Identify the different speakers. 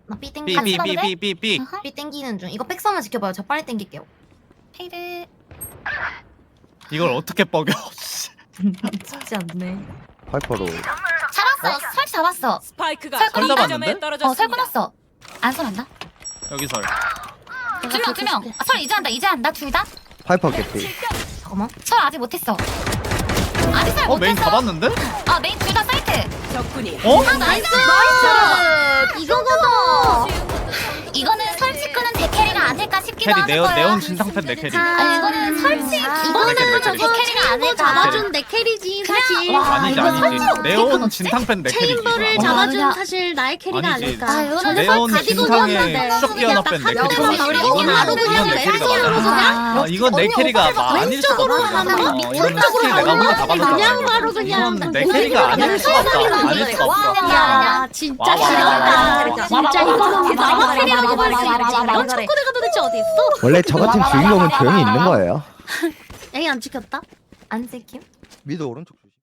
Speaker 1: 나 B 땡기. 같이 가도 돼?
Speaker 2: 삐삐삐삐삐삐.
Speaker 1: B 땡기는 중. 이거 백서만 지켜봐요. 저 빨리 땡길게요.
Speaker 3: 페이드.
Speaker 2: 이걸 어떻게 뻐겨?
Speaker 1: 쉽지 않네.
Speaker 4: 파이퍼로
Speaker 3: 잡았어. 설 잡았어.
Speaker 5: 스파이크가
Speaker 3: 설
Speaker 2: 잡았는데?
Speaker 5: 점에
Speaker 3: 설
Speaker 5: 떨어졌습니다.
Speaker 3: 끊었어. 안 설한다.
Speaker 2: 여기 설.
Speaker 3: 두 명. 설 이제 한다. 둘 다.
Speaker 4: 파이퍼 개피.
Speaker 1: 잠깐만.
Speaker 3: 설 아직 못했어. 아직 설
Speaker 2: 메인
Speaker 3: 못했어.
Speaker 2: 잡았는데?
Speaker 3: 아 메인 둘 다 사이트.
Speaker 5: 적군이
Speaker 2: 어?
Speaker 3: 나이스.
Speaker 1: 이거거든.
Speaker 3: 이거는 설치 끄는 대캐리가 아닐까 싶기도
Speaker 2: 캐리
Speaker 3: 하는 거야.
Speaker 2: 네온 진상팬 내 캐리.
Speaker 3: 아니 이거는 설치 이거는
Speaker 2: 저거
Speaker 3: 대캐리가 아닐까.
Speaker 6: 잡아준 내 캐리지 사실.
Speaker 3: 와,
Speaker 2: 아니지
Speaker 3: 이거
Speaker 2: 아니지.
Speaker 3: 설치
Speaker 2: 네온
Speaker 3: 어떻게
Speaker 2: 진상팬 내 캐리.
Speaker 6: 체인버를
Speaker 3: 와,
Speaker 6: 잡아준
Speaker 3: 그냥-
Speaker 6: 사실 나의 캐리가
Speaker 2: 아니지.
Speaker 6: 아닐까.
Speaker 3: 아, 이거는
Speaker 2: 네온
Speaker 6: 가디건이었는데.
Speaker 2: 진상의 추적 기어나 팬내
Speaker 6: 그냥
Speaker 2: 캐리.
Speaker 6: 그냥 우리
Speaker 2: 이거는
Speaker 6: 바로 그냥
Speaker 2: 이건 내 캐리가
Speaker 6: 왼손으로
Speaker 2: 맞아.
Speaker 6: 그냥
Speaker 2: 아 이건 내 캐리가 아닐 수가
Speaker 6: 왼쪽으로
Speaker 2: 없어.
Speaker 6: 하면
Speaker 2: 이거는 스킬 내가 혼자 다
Speaker 6: 그냥
Speaker 2: 받았잖아.
Speaker 6: 바로 그냥
Speaker 2: 이건 내 캐리가 아닐 수가 없다. 아닐 수가 없어.
Speaker 6: 야 진짜
Speaker 2: 와, 와,
Speaker 6: 싫다. 진짜 이거는 나만 캐리하고
Speaker 1: 와,
Speaker 6: 버릴 수 있지.
Speaker 1: 와,
Speaker 6: 넌 초코대가 도대체 어디 있어?
Speaker 4: 원래 저 같은 주인공은 조용히 있는 거예요.
Speaker 6: 에이 안 찍혔다.
Speaker 1: 안 찍힘?
Speaker 4: 미드 오른쪽.